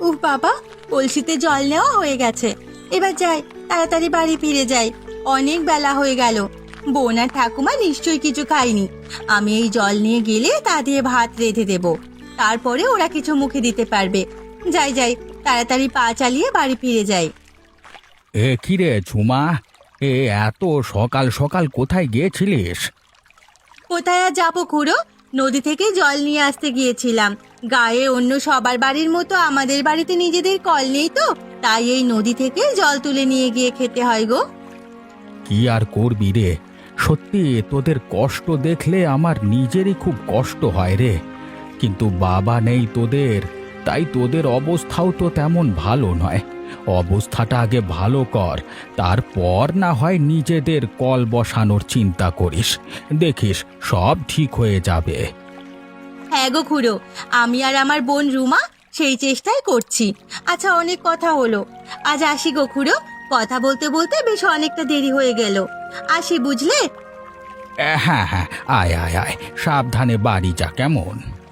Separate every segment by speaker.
Speaker 1: উহ বাবা, কলসিতে জল নেওয়া হয়ে গেছে। এবার যাই, তাড়াতাড়ি বাড়ি ফিরে যাই। অনেক বেলা হয়ে গেল। বোন আর ঠাকুমা নিশ্চয়ই কিছু খায়নি। আমি এই জল নিয়ে গেলে তা দিয়ে ভাত রেঁধে দেব, তারপরে ওরা কিছু মুখে দিতে পারবে। যাই যাই, তাড়াতাড়ি পা চালিয়ে বাড়ি ফিরে যাই।
Speaker 2: কি রে ঝুমা, এত সকাল সকাল কোথায় গিয়েছিলিস?
Speaker 1: কোথায় আর যাবো খুড়ো, নদী থেকে জল নিয়ে আসতে গিয়েছিলাম। গায়ে অন্য সবার বাড়ির মতো আমাদের বাড়িতে নিজেদের কল নেই তো, তাই এই নদী থেকে জল তুলে নিয়ে গিয়ে খেতে হয় গো।
Speaker 2: কি আর করবি রে, সত্যি তোদের কষ্ট দেখলে আমার নিজেরই খুব কষ্ট হয় রে। কিন্তু বাবা নেই তোদের, তাই তোদের অবস্থাও তো তেমন ভালো নয়। অবস্থাটা আগে ভালো কর, তারপর না হয় নিজেদের কল বসানোর চিন্তা করিস। দেখিস সব ঠিক হয়ে যাবে।
Speaker 1: হ্যাঁ গো খুড়ো, আমি আর আমার বোন রুমা সেই চেষ্টাই করছি। আচ্ছা, অনেক কথা হলো, আজ আসি গো খুড়ো। কথা বলতে বলতে বেশ অনেকটা দেরি হয়ে গেল। আসি বুঝলে।
Speaker 2: হ্যাঁ হ্যাঁ, আয় আয় আয়, সাবধানে বাড়ি যা কেমন।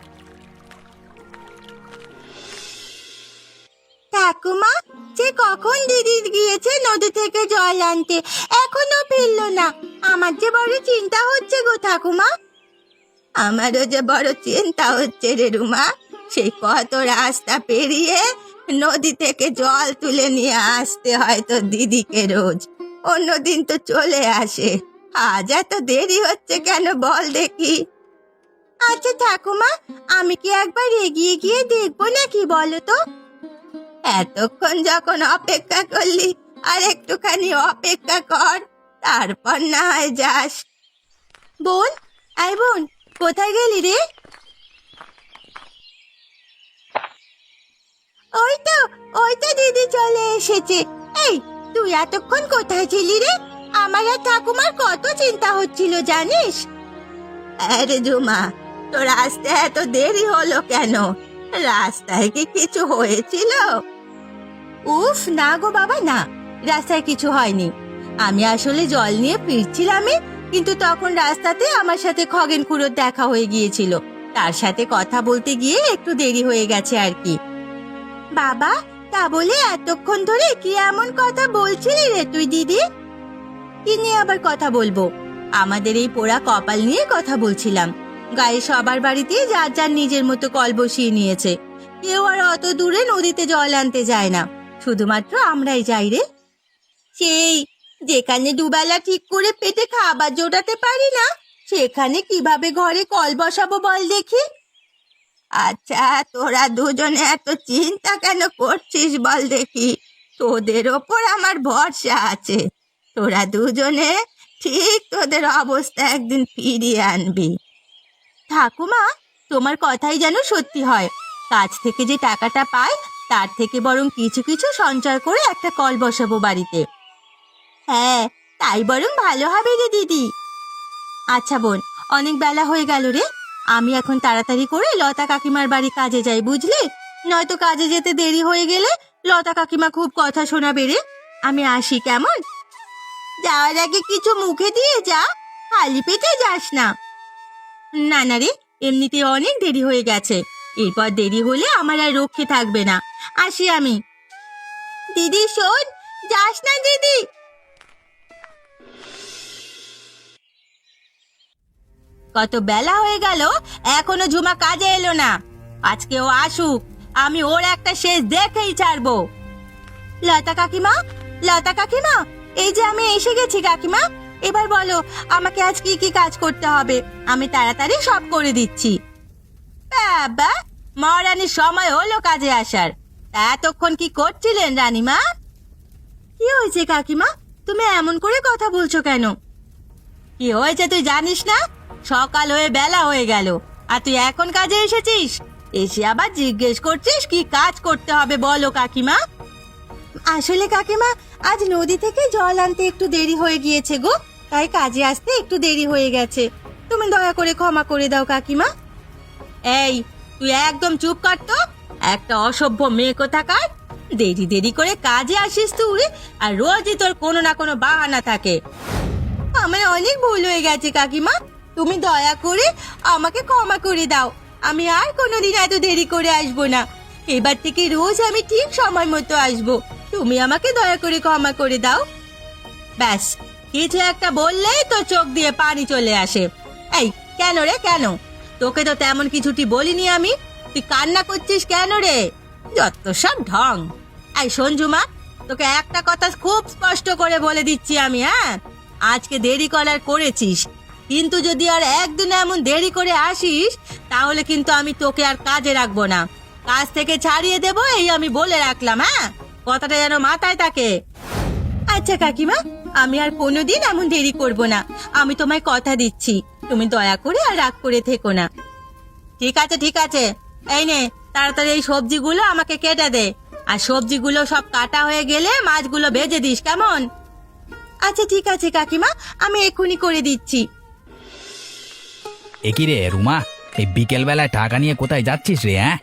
Speaker 1: ঠাকুমা, যে কখন দিদি গিয়েছে নদী থেকে জল আনতে, এখনো ফিরলো না। আমার যে বড় চিন্তা হচ্ছে গো ঠাকুমা। আমারও যে বড় চিন্তা হচ্ছে রে রুমা। সেই কত রাস্তা পেরিয়ে নদী থেকে জল তুলে নিয়ে আসতে হয় তো দিদিকে রোজ। অন্যদিন তো চলে আসে, আজ এত দেরি হচ্ছে কেন বল দেখি। আচ্ছা ঠাকুমা, আমি কি একবার এগিয়ে গিয়ে দেখবো নাকি বলো তো? এতক্ষণ যখন অপেক্ষা করলি, আর একটুখানি অপেক্ষা কর, তারপর না হয় যাস। বোন, আই বোন, কোথায় গেলি রে? ওই তো দিদি চলে এসেছে। এই, তুই এতক্ষণ কোথায় ছিলি রে? আমার আর ঠাকুমার কত চিন্তা হচ্ছিল জানিস। আরে জুমা, তোর আসতে এত দেরি হলো কেন? রাস্তায় কি কিছু হয়েছিল? উফ না গো বাবা, না, রাস্তায় কিছু হয়নি। আমি আসলে জল নিয়ে ফিরছিলামই, কিন্তু তখন রাস্তাতে আমার সাথে খগেন খুড়োর দেখা হয়ে গিয়েছিল। তার সাথে কথা বলতে গিয়ে একটু দেরি হয়ে গেছে আর কি। বাবা, তা বলে এতক্ষণ ধরে কি এমন কথা বলছিলি রে তুই দিদি? কি নিয়ে আবার কথা বলবো? আমাদের এই পোড়া কপাল নিয়ে কথা বলছিলাম। গায়ে সবার বাড়িতে যার যার নিজের মতো কল বসিয়ে নিয়েছে। কেউ আর অত দূরে নদীতে জল আনতে যায় না, শুধুমাত্র আমরাই যাই রে। সেই যেখানে দুবেলা ঠিক করে পেটে খাবার জোটাতে পারি না, সেখানে কিভাবে ঘরে কল বসাবো বল দেখি। আচ্ছা, তোরা দুজনে এত চিন্তা কেন করছিস বল দেখি? তোদের ওপর আমার ভরসা আছে। তোরা দুজনে ঠিক তোদের অবস্থা একদিন ফিরিয়ে আনবি। ঠাকুমা, তোমার কথাই যেন সত্যি হয়। কাজ থেকে যে টাকাটা পাই, তার থেকে বরং কিছু কিছু সঞ্চয় করে একটা কল বসাবো বাড়িতে। হ্যাঁ, তাই বরং ভালো হবে রে দিদি। আচ্ছা বোন, অনেক বেলা হয়ে গেল রে। আমি এখন তাড়াতাড়ি করে লতা কাকিমার বাড়ি কাজে যাই, বুঝলি? নয়তো কাজে যেতে দেরি হয়ে গেলে লতা কাকিমা খুব কথা শোনাবে রে। আমি আসি কেমন? যাওয়ার আগে কিছু মুখে দিয়ে যা, খালি পেটে যাস না। না না রে, এমনিতে অনেক দেরি হয়ে গেছে। এরপর দেরি হলে আমার আর রক্ষে থাকবে না। আসি আমি। দিদি শোন, যাস না দিদি। কত বেলা হয়ে গেল, এখনো ঝুমা কাজে এলো না। আজকে ও আসুক, আমি ওর একটা শেষ দেখেই ছাড়বো। লতা কাকিমা, লতা কাকিমা, এই যে আমি এসে গেছি কাকিমা। এবার বলো আমাকে আজ কি কি কাজ করতে হবে, আমি তাড়াতাড়ি সব করে দিচ্ছি। বাবা, মহারানীর সময় হলো কাজে আসার। তা এতক্ষণ কি করছিলেন রানীমা? কি হয়েছে কাকিমা, তুমি এমন করে কথা বলছো কেন? কি হয়েছে তুই জানিস না? সকাল হয়ে বেলা হয়ে গেল, আর তুই এখন কাজে এসেছিস? এসে আবার জিজ্ঞেস করছিস কি কাজ করতে হবে বলো কাকিমা। আসলে কাকিমা, আজ নদী থেকে জল আনতে একটু দেরি হয়ে গিয়েছে গো, তাই কাজে আসতে একটু দেরি হয়ে গেছে। তুমি দয়া করে ক্ষমা করে দাও কাকিমা। এই, তুই একদম চুপ কর তো। একটা অসভ্য মেয়ে কোথাকার। দেরি দেরি করে কাজে আসিস তুই, আর রোজই তোর কোনো না কোনো বাহানা থাকে। আমার অনেক ভুল হয়ে গেছে কাকিমা, তুমি দয়া করে আমাকে ক্ষমা করে দাও। আমি আর কোনোদিন এত দেরি করে আসবো না। এবার থেকে রোজ আমি ঠিক সময় মতো আসবো। তুমি আমাকে দয়া করে ক্ষমা করে দাও। ব্যাস, কিছু একটা বললেই তো চোখ দিয়ে পানি চলে আসে। এই কেন রে, কেন? তোকে তো তেমন কিছুটি বলিনি আমি, তুই কান্না করছিস কেন রে? যত সব ঢং। এই সঞ্জুমা, তোকে একটা কথা খুব স্পষ্ট করে বলে দিচ্ছি আমি, হ্যাঁ? আজকে দেরি করার করেছিস, কিন্তু যদি আর একদিন এমন দেরি করে আসিস তাহলে কিন্তু আমি তোকে আর কাজে রাখবো না, কাজ থেকে ছাড়িয়ে দেবো, এই আমি বলে রাখলাম। হ্যাঁ, কথাটা যেন মাথায় থাকে। আচ্ছা কাকিমা, আমি আর কোনোদিন এমন দেরি করব না, আমি তোমায় কথা দিচ্ছি। তুমি দয়া করে আর রাগ করে থেকো না। ঠিক আছে ঠিক আছে, এই নে তাড়াতাড়ি এই সবজিগুলো আমাকে কেটে দে, আর সবজিগুলো সব কাটা হয়ে গেলে মাছগুলো ভেজে দিস, কেমন? আচ্ছা ঠিক আছে কাকিমা, আমি এক্ষুনি করে দিচ্ছি।
Speaker 2: এ কি রে রুমা, এই বিকেল বেলায় টাকা নিয়ে কোথায় যাচ্ছিস রে? হ্যাঁ,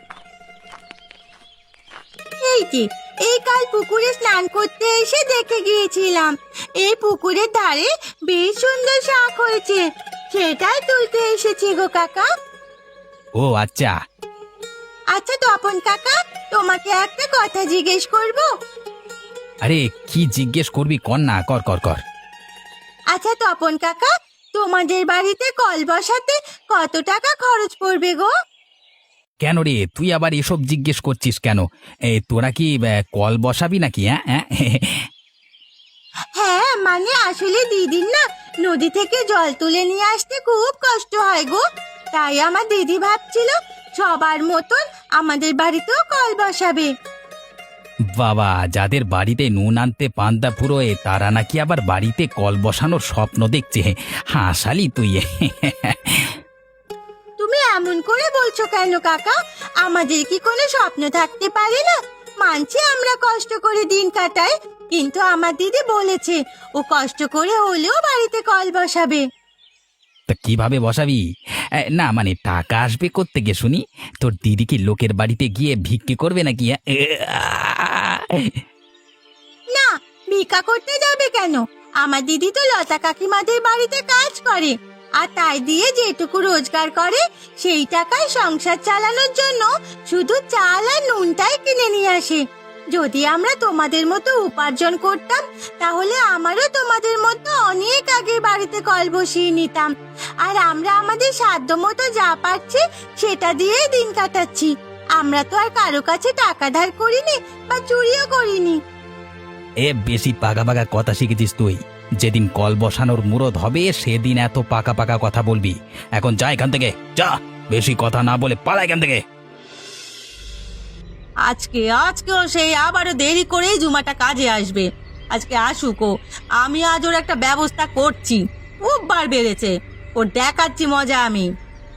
Speaker 1: এই যে, এই কাল পুকুরে স্নান করতে এসে দেখে গিয়েছিলাম, এই পুকুরের ধারে বেশ সুন্দর শাক হয়েছে, সেটাই তুলতে এসেছি গো কাকা।
Speaker 2: ও আচ্ছা।
Speaker 1: আচ্ছা তপন কাকা, তোমাকে একটা কথা জিজ্ঞেস করব?
Speaker 2: আরে কি জিজ্ঞেস করবি, কর না, কর কর কর।
Speaker 1: আচ্ছা তপন কাকা, তোমাদের বাড়িতে কল বসাতে কত টাকা খরচ পড়বে গো?
Speaker 2: কেন রে, তুই আবার এসব জিজ্ঞেস করছিস কেন? তোরা কি কল বসাবি নাকি? হ্যাঁ হ্যাঁ
Speaker 1: হ্যাঁ মানে আসলে দিদির না নদী থেকে জল তুলে নিয়ে আসতে খুব কষ্ট হয় গো, তাই আমার দিদি ভাবছিল সবার মতন আমাদের বাড়িতেও কল বসাবে।
Speaker 2: বাবা, যাদের বাড়িতে নুন আনতে পান্তা ফুরোয় তারা নাকি আবার বাড়িতে কল বসানোর স্বপ্ন দেখছে। হাসালি তুই।
Speaker 1: তুমি এমন করে বলছো কেন কাকা? আমাদের কি কোনো স্বপ্ন থাকতে পারে না? মানছি আমরা কষ্ট করে দিন কাটাই, কিন্তু আমার দিদি বলেছে ও কষ্ট করে হলেও বাড়িতে কল বসাবে।
Speaker 2: তা কিভাবে বসাবি? না মানে টাকা আসবে কোত্থেকে শুনি? তোর দিদি কি লোকের বাড়িতে গিয়ে ভিক্ষে করবে নাকি?
Speaker 1: না, ভিক্ষা করতে যাবে কেন? আমার দিদি তো লতা কাকিমাদের বাড়িতে কাজ করে, আর তাই দিয়ে যেটুকু রোজগার করে সেই টাকায় সংসার চালানোর জন্য শুধু চাল আর নুনটাই কিনে নিয়ে আসে। যদি আমরা তোমাদের মতো উপার্জন করতাম তাহলে আমারও তোমাদের মতো অনেক আগে বাড়িতে কল বসিয়ে নিতাম, আর আমরা আমাদের সাধ্য মতো যা পাচ্ছি সেটা দিয়েই দিন কাটাচ্ছি। আমরা তো আর কারো কাছে টাকা ধার করিনি বা চুরিও করিনি।
Speaker 2: এ বেশি পাকা পাকা কথা শিখেছিস তুই। যেদিন কল বসানোর মুরদ হবে সেদিন এত পাকা পাকা কথা বলবি। এখন যা এখান থেকে, যা, বেশি কথা না বলে পালা এখান থেকে।
Speaker 1: আজকেও সেই আবারও দেরি করেই জুমাটা কাজে আসবে। আজকে আসুকো, আমি আজ ওর একটা ব্যবস্থা করছি। খুব বার বেড়েছে, ওর দেখাচ্ছি মজা আমি।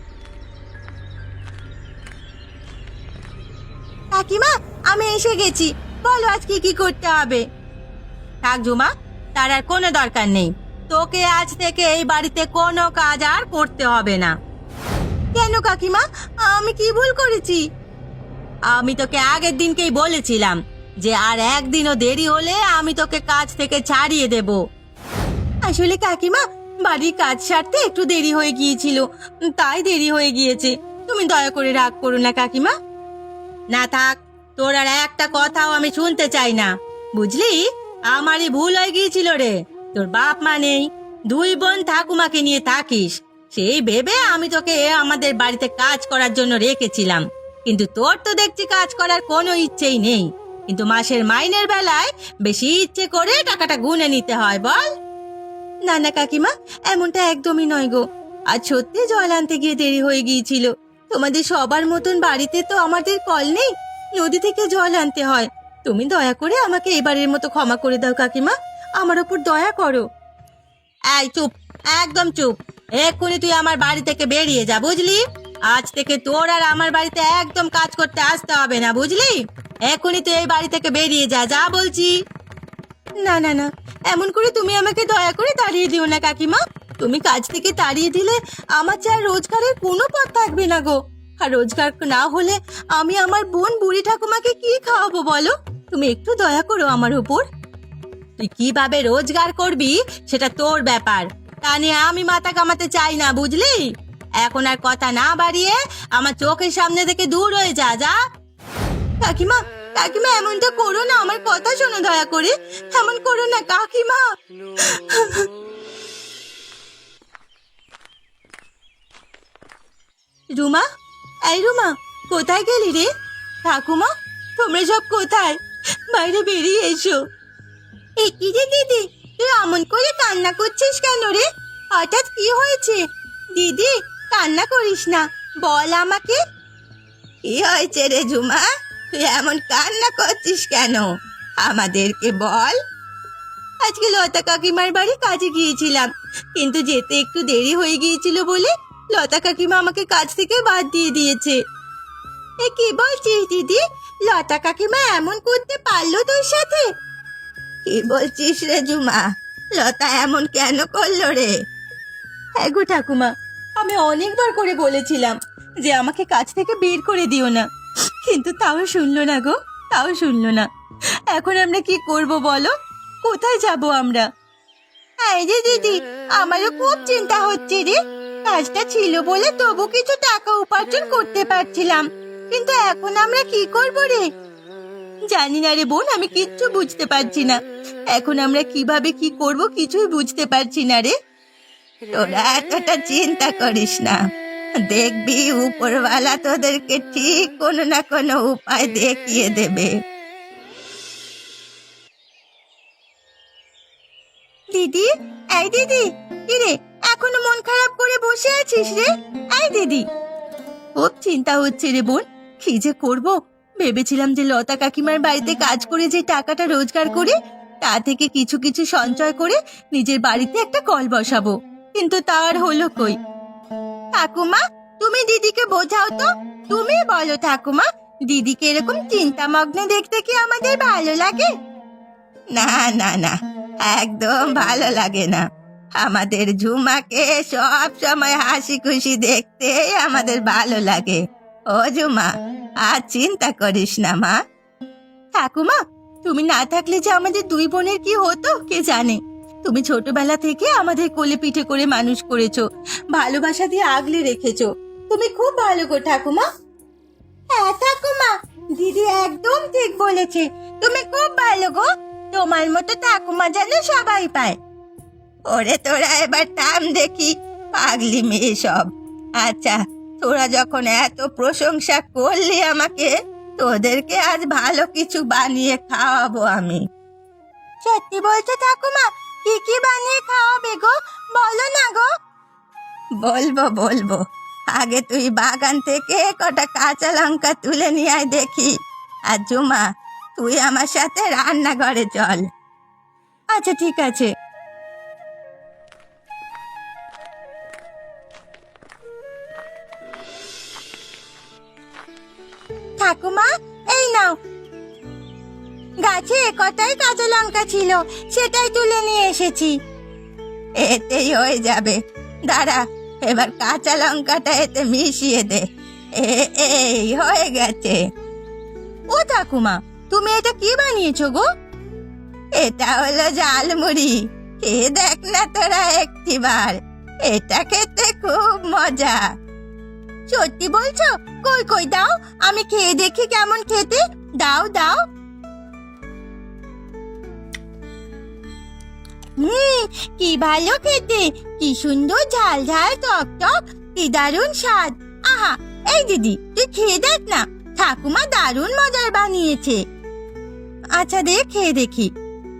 Speaker 1: কাকিমা, আমি এসে গেছি, বলো আজকে কি করতে হবে? থাক ঝুমা, তার আর কোনো দরকার নেই, তোকে আজ থেকে এই বাড়িতে কোনো কাজ আর করতে হবে না। কেন কাকিমা, আমি কি ভুল করেছি? আমি তোকে আগের দিনকেই বলেছিলাম যে আর একদিনও দেরি হলে আমি তোকে কাজ থেকে ছাড়িয়ে দেব। আসলে কাকিমা, বাড়ির কাজ সারতে একটু দেরি হয়ে গিয়েছিল, তাই দেরি হয়ে গিয়েছে। তুমি দয়া করে রাগ করো না কাকিমা। না থাক, তোর আর একটা কথাও আমি শুনতে চাই না, বুঝলি? আমারই ভুল হয়ে গিয়েছিল রে। তোর বাপ মা নেই, দুই বোন ঠাকুমাকে নিয়ে থাকিস, সেই ভেবে আমি তোকে আমাদের বাড়িতে কাজ করার জন্য রেখেছিলাম। কিন্তু তোর তো দেখছি কাজ করার কোনো ইচ্ছেই নেই, কিন্তু মাসের মাইনের বেলায় বেশি ইচ্ছে করে টাকাটা গুনে নিতে হয়, বল? না না কাকিমা, এমনটা একদমই নয় গো। আজ সত্যি জল আনতে গিয়ে দেরি হয়ে গিয়েছিল। তোমাদের সবার মতন বাড়িতে তো আমাদের কল নেই, নদী থেকে জল আনতে হয়। তুমি দয়া করে আমাকে এবারের মতো ক্ষমা করে দাও কাকিমা, আমার ওপর দয়া করো। এই চুপ, একদম চুপ, এক্ষুনি তুই আমার বাড়ি থেকে বেরিয়ে যা, বুঝলি? আজ থেকে তোর আর আমার বাড়িতে একদম কাজ করতে আসতে হবে না, বুঝলি? এক্ষুনি তুই এই বাড়ি থেকে বেরিয়ে যা, যা বলছি। না না না, এমন করে তুমি আমাকে দয়া করে তাড়িয়ে দিও না কাকিমা। তুমি কাজ থেকে তাড়িয়ে দিলে আমার যা রোজগারের কোনো পথ থাকবে না গো। আর রোজগার না হলে আমি আমার বোন বুড়ি ঠাকুমাকে কি খাওয়াবো বলো? তুমি একটু দয়া করো আমার উপর। তুই কিভাবে রোজগার করবি সেটা তোর ব্যাপার, তা নিয়ে আমি মাথা কামাতে চাই না, বুঝলি? এখন আর কথা না বাড়িয়ে আমার চোখের সামনে থেকে দূর হয়ে যা, যা। কাকিমা, কাকিমা এমনটা করো না, আমার কথা শোনো দয়া করে। এমন করো না কাকিমা। রুমা, এই রুমা, কোথায় গেলি রে? ঠাকুমা, তোমরা সব কোথায়? বাইরে বেরিয়ে এসো। কি রে দিদি, তুই এমন করে কান্না করছিস কেন রে? হঠাৎ কি হয়েছে? দিদি, কান্না করিস না, বল আমাকে। কি হয়েছে রে ঝুমা? তুই এমন কান্না করছিস কেন? আমাদেরকে বল। আজকে লতা কাকিমার বাড়ি কাজে গিয়েছিলাম, কিন্তু যেতে একটু দেরি হয়ে গিয়েছিল বলে লতা কাকিমা আমাকে কাজ থেকে বাদ দিয়ে দিয়েছে। কি বলছিস দিদি? লতা কাকিমা এমন করতে পারলো তোর সাথে? কি বলছিস রে ঝুমা? লতা এমন কেন করলো রে? হ্যাঁ গো ঠাকুমা, আমি অনেকবার করে বলেছিলাম যে আমাকে কাজ থেকে বের করে দিও না, কিন্তু তাও শুনলো না গো, তাও শুনলো না। এখন আমরা কি করব বলো? কোথায় যাব আমরা? এই রে দিদি, আমারও খুব চিন্তা হচ্ছে রে। কাজটা ছিল বলে তবু কিছু টাকা উপার্জন করতে পারছিলাম, কিন্তু এখন আমরা কি করব রে? জানি না রে বোন, আমি কিচ্ছু বুঝতে পারছি না। এখন আমরা কিভাবে কি করব কিছুই বুঝতে পারছি না রে। তোরা এতটা চিন্তা করিস না, দেখবি উপরওয়ালা তোদেরকে ঠিক কোনো না কোনো উপায় দেখিয়ে দেবে। দিদি, এই দিদি, কি রে এখনো মন খারাপ করে বসে আছিস রে? এই দিদি, খুব চিন্তা হচ্ছে রে বোন, কি যে করব। ভেবেছিলাম যে লতা কাকিমার বাড়িতে কাজ করে যে টাকাটা রোজগার করে তা থেকে কিছু কিছু সঞ্চয় করে নিজের বাড়িতে একটা কল বসাবো, কিন্তু তার হলো কই। ঠাকুমা, তুমি দিদিকে বোঝাও তো। তুমি বলো ঠাকুমা, দিদিকে এরকম চিন্তামগ্ন দেখতে কি আমাদের ভালো লাগে? না না না, একদম ভালো লাগে না। আমাদের ঝুমাকে সব সময় হাসি খুশি দেখতে আমাদের ভালো লাগে। ও ঝুমা, আর চিন্তা করিস না মা। ঠাকুমা, তুমি না থাকলে যে আমাদের দুই বোনের কি হতো কে জানে। তুমি ছোটবেলা থেকে আমাদের কোলে পিঠে করে মানুষ করেছো, ভালোবাসা দিয়ে আগলে রেখেছো। তুমি খুব ভালো গো ঠাকুমা। হ্যাঁ ঠাকুমা, দিদি একদম ঠিক বলেছে, তুমি খুব ভালো গো। তোমার মতো ঠাকুমা যেন সবাই পায়। ওরে তোরা এবার থাম দেখি, পাগলি মেয়ে সব। আচ্ছা, তোরা যখন এত প্রশংসা করলি আমাকে, তোদেরকে আজ ভালো কিছু বানিয়ে খাওয়াবো আমি। সত্যি বলছো ঠাকুমা? কি কি বানিয়ে খাওয়াবে গো, বলো না গো। বলবো বলবো, আগে তুই বাগান থেকে কটা কাঁচা লঙ্কা তুলে নিয়ে আয় দেখি। আর ঝুমা, তুই আমার সাথে রান্নাঘরে চল। আচ্ছা ঠিক আছে। ঠাকুমা, এই নাও। গাছে কটাই কাঁচা লঙ্কা ছিল, সেটাই তুলে নিয়ে এসেছি। এতেই হয়ে যাবে, দাঁড়া, এবার কাঁচা লঙ্কাটা এতে মিশিয়ে দে। এই হয়ে গেছে। ও ঠাকুমা, তুমি এটা কি বানিয়েছো গো? এটা হলো ঝালমুড়ি, খেয়ে দেখ না তোরা একটিবার, এটা খেতে খুব মজা। সত্যি বলছো? কই কই দাও, আমি খেয়ে দেখি কেমন খেতে। দাও দাও। কি ভালো খেতে, কি সুন্দর ঝাল ঝাল টক টক, কি দারুণ স্বাদ। আহা, এই দিদি তুই খেয়ে দেখ না, ঠাকুমা দারুণ মজার বানিয়েছে। আচ্ছা দে, খেয়ে দেখি।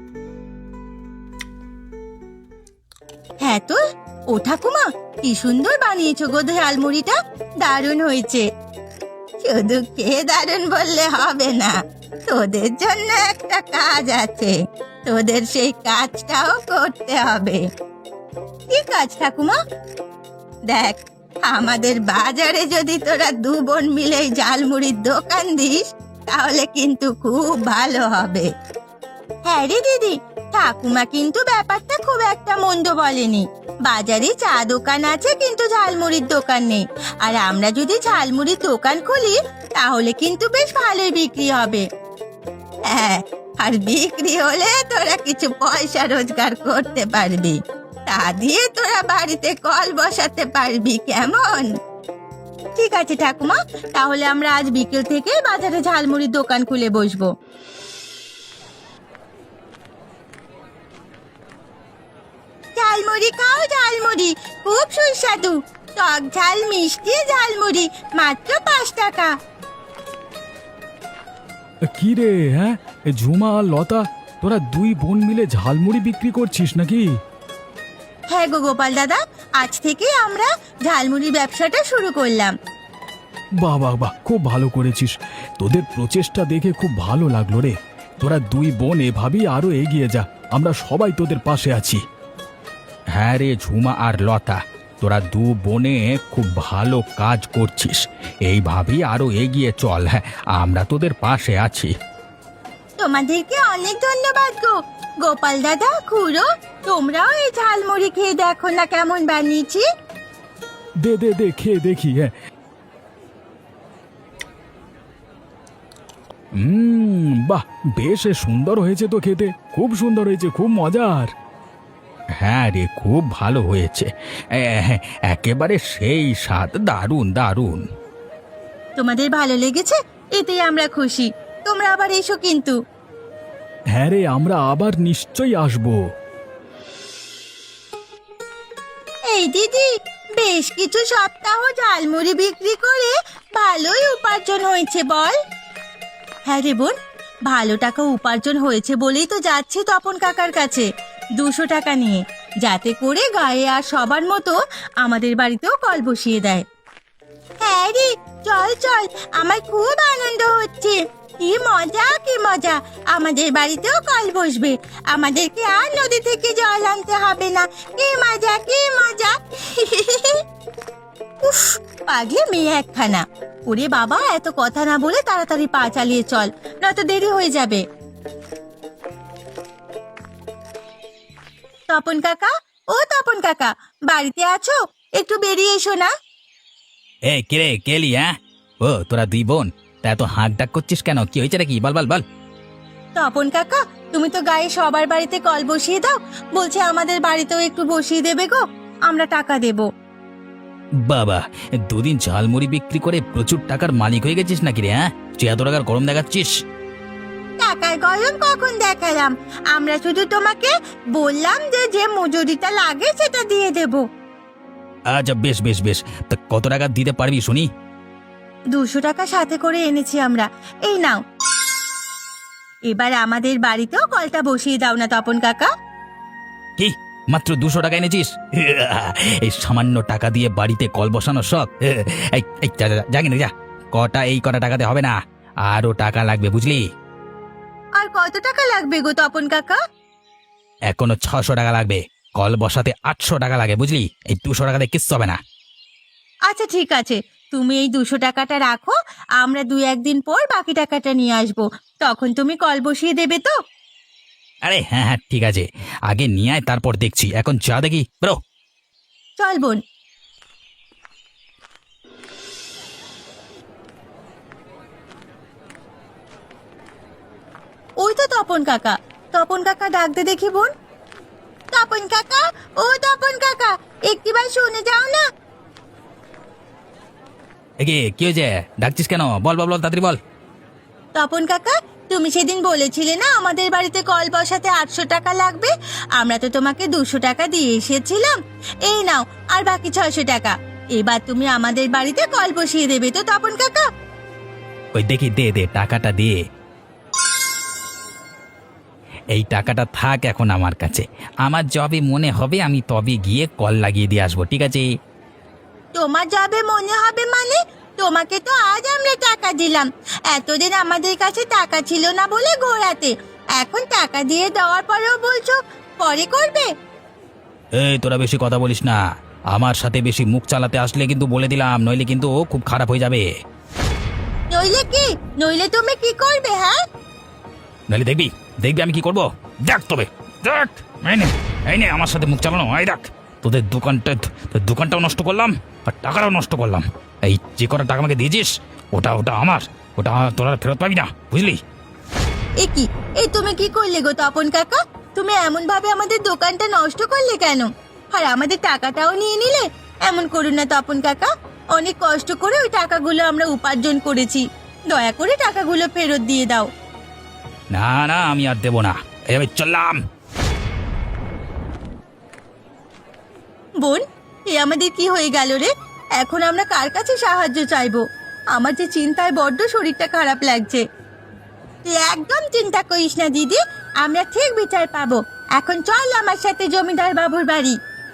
Speaker 1: হ্যাঁ তো, ও ঠাকুমা, কি সুন্দর বানিয়েছো গো ঝালমুড়িটা, দারুণ হয়েছে। শুধু খেয়ে দারুণ বললে হবে না, তোদের জন্য একটা কাজ আছে, তোদের সেই কাজটাও করতে হবে। কি কাজ ঠাকুমা? দেখ, আমাদের বাজারে যদি তোরা দু বোন মিলে ঝালমুড়ির দোকান দিস, তাহলে কিন্তু খুব ভালো হবে। হ্যাঁ রে দিদি, ঠাকুমা কিন্তু ব্যাপারটা খুব একটা মন্দ বলেনি। বাজারে চা দোকান আছে কিন্তু ঝালমুড়ির দোকান নেই, আর আমরা যদি ঝালমুড়ির দোকান খুলি তাহলে কিন্তু বেশ ভালোই বিক্রি হবে। হ্যাঁ, আর বিক্রি হলে তোরা কিছু পয়সা রোজগার করতে পারবি, তা দিয়ে তোরা বাড়িতে কল বসাতে পারবি, কেমন? ঠিক আছে ঠাকুমা, তাহলে আমরা আজ বিকেল থেকে বাজারে ঝালমুড়ির দোকান খুলে বসবো। ঝালমুড়ি খাও, ঝালমুড়ি খুব সুস্বাদু। টক ঝাল মিষ্টি ঝালমুড়ি মাত্র 5 টাকা।
Speaker 2: কি রে, হ্যাঁ ঝুমা আর লতা, তোরা দুই বোন মিলে ঝালমুড়ি বিক্রি করছিস নাকি?
Speaker 1: হ্যাঁ গো গোপাল দাদা, আজ থেকে আমরা ঝালমুড়ি ব্যবসাটা শুরু করলাম।
Speaker 2: বাহ বাহ বাহ, খুব ভালো করেছিস। তোদের প্রচেষ্টা দেখে খুব ভালো লাগলো রে। তোরা দুই বোন এভাবেই আরো এগিয়ে যা, আমরা সবাই তোদের পাশে আছি। হ্যাঁ রে ঝুমা আর লতা, তোরা দু বোনে খুব ভালো কাজ করছিস। এইভাবেই আরো এগিয়ে চল, হ্যাঁ আমরা তোদের পাশে আছি।
Speaker 1: তোমাদেরকে অনেক ধন্যবাদ গো গোপাল দাদা, খুড়ো, তোমরাও এই ঝালমুড়ি খেয়ে দেখো না কেমন বানিয়েছি।
Speaker 2: দে দে দে, খেয়ে দেখি। হ্যাঁ, বাহ, বেশ সুন্দর হয়েছে তো খেতে, খুব সুন্দর হয়েছে, খুব মজার। হ্যাঁ রে, খুব ভালো হয়েছে, একেবারে সেই স্বাদ, দারুণ দারুণ।
Speaker 1: তোমাদের ভালো লেগেছে, এতেই আমরা খুশি। তোমরা আবার এসো কিন্তু।
Speaker 2: হ্যাঁ রে, আমরা আবার নিশ্চয়ই আসবো।
Speaker 1: এই দিদি, বেশ কিছু সপ্তাহ ঝালমুড়ি বিক্রি করে ভালোই উপার্জন হয়েছে বল। হ্যাঁ রে বোন, ভালো টাকা উপার্জন হয়েছে বলেই তো যাচ্ছি তপন কাকার কাছে 200 টাকা নিয়ে, যাতে করে গায়ে আর সবার মতো আমাদের বাড়িতেও কল বসিয়ে দেয়। হ্যাঁ রে, চল চল, আমার খুব আনন্দ হচ্ছে। কি মজা কি মজা, আমাদের বাড়িতেও কল বসবে, আমাদেরকে আর নদী থেকে জল আনতে হবে না। কি মজা কি মজা। উফ, পাগলে মেয়ে একখানা। ওরে বাবা, এত কথা না বলে তাড়াতাড়ি পা চালিয়ে চল, নয়তো দেরি হয়ে যাবে। তপন কাকা, ও তপন কাকা, বাড়িতে আছো? একটু বেরিয়ে এসো না।
Speaker 2: এ কিরে কেলি, হ্যাঁ ও তোরা দুই বোন, তা এত হাঁক ডাক করছিস কেন? কি হয়েছে নাকি? বল বল বল।
Speaker 1: তপন কাকা, তুমি তো গায়ে সবার বাড়িতে কল বসিয়ে দাও, বলছে আমাদের বাড়িতেও একটু বসিয়ে দেবে গো, আমরা টাকা দেব।
Speaker 2: বাবা, দুদিন ঝালমুড়ি বিক্রি করে প্রচুর টাকার মালিক হয়ে গেছিস নাকি রে? হ্যাঁ, তুই এত টাকার গরম দেখাচ্ছিস?
Speaker 1: টাকার গরম কখন দেখালাম? আমরা শুধু তোমাকে বললাম যে যে মজুরিটা লাগে সেটা দিয়ে দেব।
Speaker 2: আচ্ছা বেশ বেশ বেশ, তা কত টাকা দিতে পারবি শুনি?
Speaker 1: 200 টাকা সাথে করে এনেছি আমরা, এই নাও। এবার আমাদের বাড়িতেও কলটা বসিয়ে দাও না তপন কাকা।
Speaker 2: কি, মাত্র 200 টাকা এনেছিস? এই সামান্য টাকা দিয়ে বাড়িতে কল বসানো শখ? এই যা কিনে যা, কটা টাকাতে হবে না, আরো টাকা লাগবে বুঝলি?
Speaker 1: আর কত টাকা লাগবে গো তপন কাকা?
Speaker 2: এখনো 600 টাকা লাগবে, কল বসাতে 800 টাকা লাগে বুঝলি? এই 200 টাকাতে কিচ্ছু হবে না।
Speaker 1: আচ্ছা ঠিক আছে, তুমি এই 200 টাকাটা রাখো, আমরা 2-1 দিন পর বাকি টাকাটা নিয়ে আসবো, তখন তুমি কল বসিয়ে দেবে তো?
Speaker 2: আরে হ্যাঁ হ্যাঁ ঠিক আছে, আগে নিয়ে আয়, তারপর দেখছি। এখন যা দেখি ব্রো।
Speaker 1: চল বোন। ওই তো তপন কাকা, তপন কাকা ডাকতে দেখি বোন। তপন কাকা, ও তপন কাকা, একটিবার শুনে যাও না।
Speaker 2: এগে কি হয়েছে? ডাকছিস কেন? বল বল বল, তাড়াতাড়ি বল।
Speaker 1: তপন কাকা, তুমি সেদিন বলেছিলে না আমাদের বাড়িতে কল বসাতে 800 টাকা লাগবে, আমরা তো তোমাকে 200 টাকা দিয়ে এসেছিলাম, এই নাও আর বাকি 600 টাকা। এবার তুমি আমাদের বাড়িতে কল বসিয়ে দেবে তো তপন কাকা?
Speaker 2: ওই দেখি, দে দে টাকাটা দে। এই টাকাটা থাক এখন আমার কাছে, আমার যবে মনে হবে আমি তবে গিয়ে কল লাগিয়ে দিয়ে আসবো, ঠিক আছে?
Speaker 1: তোমার যাবে মনে হবে মানে? তোমাকে তো আজ আমরা টাকা দিলাম, এতদিন আমাদের কাছে টাকা ছিল না বলে ঘোরাতে, এখন টাকা দিয়ে দেওয়ার পরেও বলছো পরে করবে।
Speaker 2: এই তোরা বেশি কথা বলিস না, আমার সাথে বেশি মুখ চালাতে আসলে কিন্তু বলে দিলাম, নইলে কিন্তু খুব খারাপ হয়ে যাবে।
Speaker 1: নইলে কি? নইলে তুমি কি করবে? হ্যাঁ,
Speaker 2: নইলে দেখবি দেখবি আমি কি করব, দেখ তবে দেখ। এই নে আমার সাথে মুখ চালানো, এই দেখ তোদের দোকানটাও নষ্ট করলাম আর টাকাটাও নষ্ট করলাম। এই যে কটা টাকা আমাকে দিয়েছিস ওটা ওটা আমার, ওটা তোরা ফেরত পাবি না বুঝলি?
Speaker 1: কি এই তুমি কি করলে গো তপন কাকা? তুমি এমন ভাবে আমাদের দোকানটা নষ্ট করলে কেন? আর আমাদের টাকাটাও নিয়ে নিলে। এমন করুন না তপন কাকা, অনেক কষ্ট করে ওই টাকাগুলো আমরা উপার্জন করেছি। দয়া করে টাকাগুলো ফেরত দিয়ে দাও।
Speaker 2: না না, আমি আর দেব না, এবার চললাম।
Speaker 1: বোন, এ আমাদের কি হয়ে গেল রে? এখন আমরা কার কাছে সাহায্য চাইবো? আমার যে চিন্তায় বড্ড শরীরটা খারাপ লাগছে। তুই একদম চিন্তা করিস না দিদি, আমরা ঠিক বিচার পাবো। এখন চল আমার সাথে জমিদার বাবুর বাড়ি।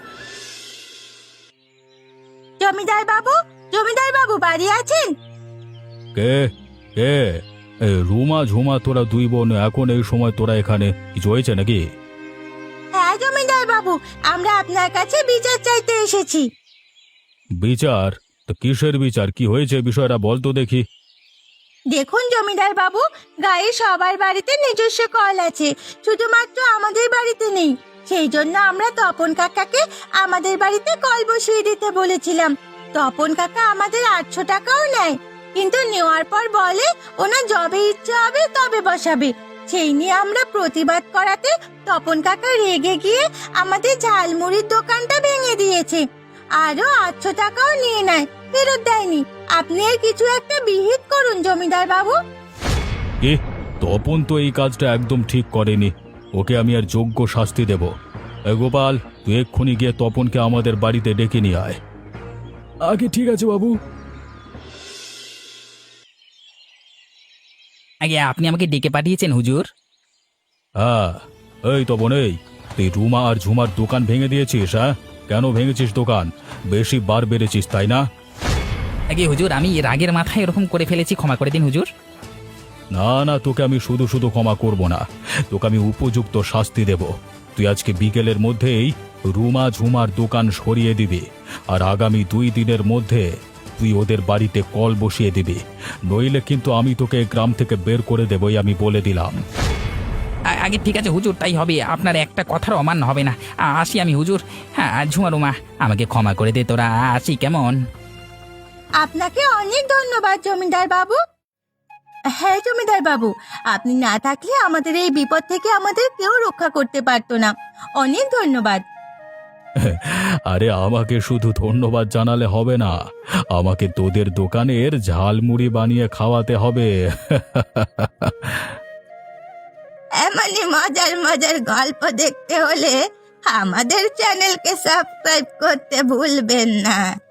Speaker 1: জমিদার বাবু বাড়ি আছেন?
Speaker 2: কে কে? রুমা ঝুমা, তোরা দুই বোন এখন এই সময় তোরা এখানে? কিছু হয়েছে নাকি?
Speaker 1: হ্যাঁ জমিদার বাবু, আমরা আপনার কাছে বিচার চাইতে এসেছি।
Speaker 2: বিচার? তো কিসের বিচার? কি হয়েছে বিষয়টা বল তো দেখি।
Speaker 1: দেখুন জমিদার বাবু, গায়ে সবার বাড়িতে নিজস্ব কল আছে, শুধুমাত্র আমাদের বাড়িতে নেই। সেই জন্য আমরা তপন কাকাকে আমাদের বাড়িতে কল বসিয়ে দিতে বলেছিলাম। তপন কাকা আমাদের 800 টাকাও নেয়, কিন্তু নেওয়ার পর বলে ওনার যবে ইচ্ছে হবে তবে বসাবে। সেই নিয়ে আমরা প্রতিবাদ করাতে তপন কাকা রেগে গিয়ে আমাদের ঝালমুড়ির দোকানটা ভেঙে দিয়েছে। আরো 800 টাকাও নিয়ে নেয়, ফেরত দেয়নি। আপনি এর কিছু একটা বিহিত করুন জমিদার বাবু।
Speaker 2: কি? তপন তো এই কাজটা একদম ঠিক করেনি, ওকে আমি আর যোগ্য শাস্তি দেব। গোপাল, তুই এক্ষুনি গিয়ে তপনকে আমাদের বাড়িতে ডেকে নিয়ে আয়। আগে ঠিক আছে বাবু।
Speaker 3: আগে আপনি আমাকে ডেকে পাঠিয়েছেন হুজুর?
Speaker 2: হ্যাঁ, এই তপন, এই তুই রুমা আর ঝুমার দোকান ভেঙে দিয়েছিস? হ্যাঁ, কেন ভেঙেছিস দোকান? বেশি বার বেড়েছিস তাই না?
Speaker 3: আগে হুজুর, আমি রাগের মাথায় এরকম করে ফেলেছি, ক্ষমা করে দিন হুজুর।
Speaker 2: না না, তোকে আমি শুধু শুধু ক্ষমা করব না, তোকে আমি উপযুক্ত শাস্তি দেব। তুই আজকে বিকেলের মধ্যেই রুমা ঝুমার দোকান সরিয়ে দিবি, আর আগামী 2 দিনের মধ্যে তুই ওদের বাড়িতে কল বসিয়ে দিবি, নইলে কিন্তু আমি তোকে গ্রাম থেকে বের করে দেবই, আমি বলে দিলাম।
Speaker 3: আগে ঠিক আছে হুজুর, তাই হবে। আপনার একটা কথার অমান্য হবে না। আসি আমি হুজুর। হ্যাঁ ঝুমারুমা, আমাকে ক্ষমা করে দে তোরা, আসি কেমন?
Speaker 1: আপনাকে অনেক ধন্যবাদ জমিদার বাবু। হ্যাঁ জমিদার বাবু, আপনি না থাকলে আমাদের এই বিপদ থেকে আমাদের কেউ রক্ষা করতে পারতো না। অনেক ধন্যবাদ।
Speaker 2: আরে আমাকে শুধু ধন্যবাদ জানালে হবে না, আমাকে তোদের দোকানের ঝালমুড়ি বানিয়ে খাওয়াতে হবে।
Speaker 1: এমনই মজার মজার গল্প দেখতে হলে আমাদের চ্যানেলকে সাবস্ক্রাইব করতে ভুলবেন না।